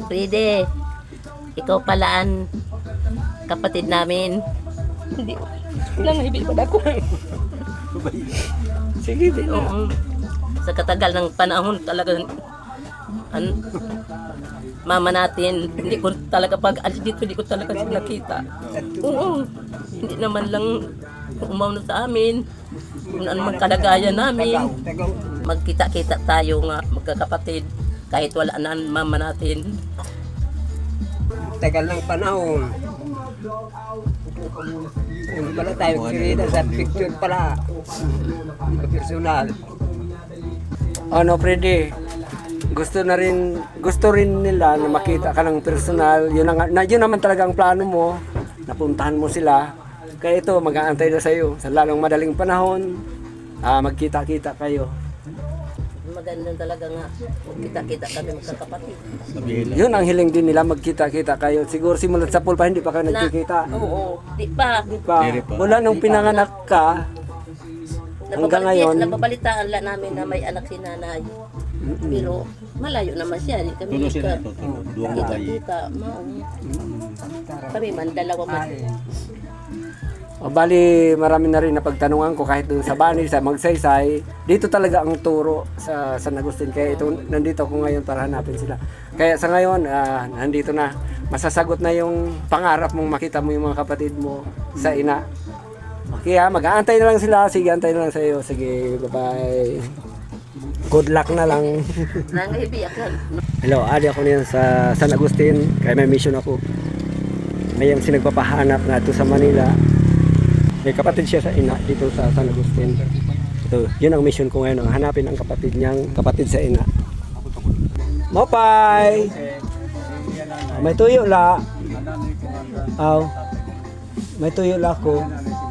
Fride, ikaw palaan kapatid namin. Hindi. Lang ibig pa ako. Sige, oo. Sa katagal ng panahon talaga mama natin, hindi ko talaga pag alis dito, hindi ko talaga siya nakita. Oo. Hindi naman lang umawno sa amin. Kung ano man kalagayan namin. Magkita-kita tayo nga, magkakapatid. Kahit wala na ang mama natin. Tagal ng panahon. Hindi pala tayo kirita sa picture pala. Personal. Ano, Freddy? Gusto rin nila na makita ka ng personal. Yun naman talaga ang plano mo. Napuntahan mo sila. Kaya ito, mag-aantay na sa'yo. Sa lalong madaling panahon, magkita-kita kayo. Maganda talaga nga, magkita-kita kami magkakapatid. Yun ang hiling din nila, magkita-kita kayo. Siguro simulat sa pool pa, hindi pa kayo nagkikita. Oo, di pa. Di pa. Mula nung pinanganak ka, hanggang ngayon. Napabalitaan lang namin na may anak si nanay. Pero malayo naman siya. Di kami kita-kita. Kami man, dalawa man. O bali, marami na rin napagtanungan ko kahit doon sa Bani, sa Magsaysay. Dito talaga ang turo sa San Agustin. Kaya ito, nandito ako ngayon para hanapin sila. Kaya sa ngayon, nandito na. Masasagot na yung pangarap mong makita mo yung mga kapatid mo sa ina. Okay mag-aantay na lang sila. Sige, antay na lang sa iyo. Sige, bye-bye. Good luck na lang. Nangahibiyak lang. Hello, adi ako niyan sa San Agustin. Kaya may mission ako. May sinagpapahanap na ito sa Manila. May kapatid siya sa ina dito sa San Agustin. Ito, yun ang mission ko ngayon, hanapin ang kapatid niyang kapatid sa ina. Mopay! May tuyo la. Aw. May tuyo la ko.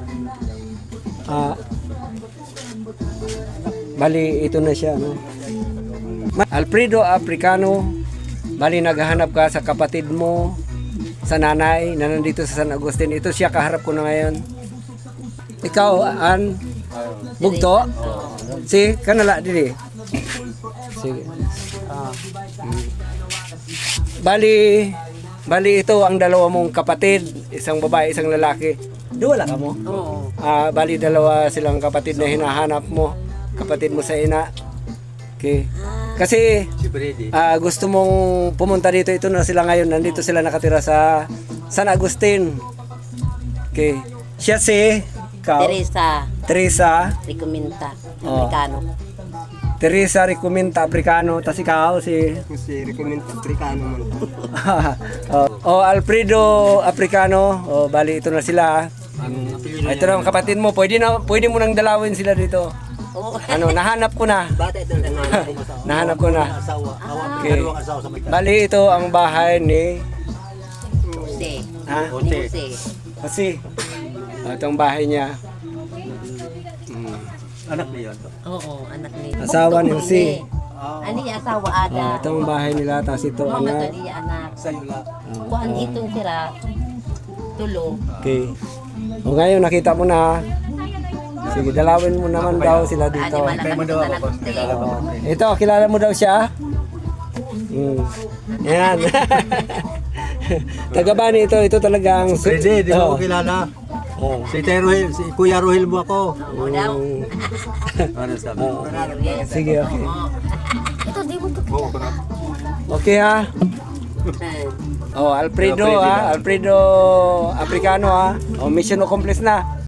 Bali, ito na siya. No? Alfredo Africano. Bali, naghahanap ka sa kapatid mo, sa nanay na nandito sa San Agustin. Ito siya, kaharap ko na ngayon. Ikaw, bugto? Si, kanala, dili. Sige. Bali ito ang dalawa mong kapatid, isang babae, isang lalaki. Wala ka mo? Oo. Bali dalawa silang kapatid na hinahanap mo, kapatid mo sa ina. Okay. Kasi gusto mong pumunta dito, ito na sila ngayon, nandito sila nakatira sa San Agustin. Okay. Siya si Teresa Recominta, Oh. Amerikano. Teresa Recominta Africano, tas ikaw si Recommend Africano man. Alfredo Africano. Bali ito na sila. Ito na ang kapatid mo. Pwede mo nang dalawin sila dito. Oo. Nahanap ko na. Bata ito na Nahanap ko na. asawa. Okay. Bali ito ang bahay ni Jose. Jose. Kasi ito ang bahay niya. Anak niya yun. Oo, anak ni. Asawa ni Jose. Ani asawa ada. Ito ang bahay nila, tapos ito Mga anak. tadi anak. Sa'yo lang. Kuan itong sira. Tulo. Okay. Ngayon nakita mo na. Sige, dalawin mo naman daw sila dito. Ani malaki anak ko. Ito, kilala mo daw siya? Yan. Tagabani ito talaga ang Pwede, di mo kilala. Si Rohil, si Kuya Rohil mo ako. Oo daw. Ano sabi? Sige, okay. Ito di mo to. Okay ha. Alfredo Africano ha. Mission accomplished na.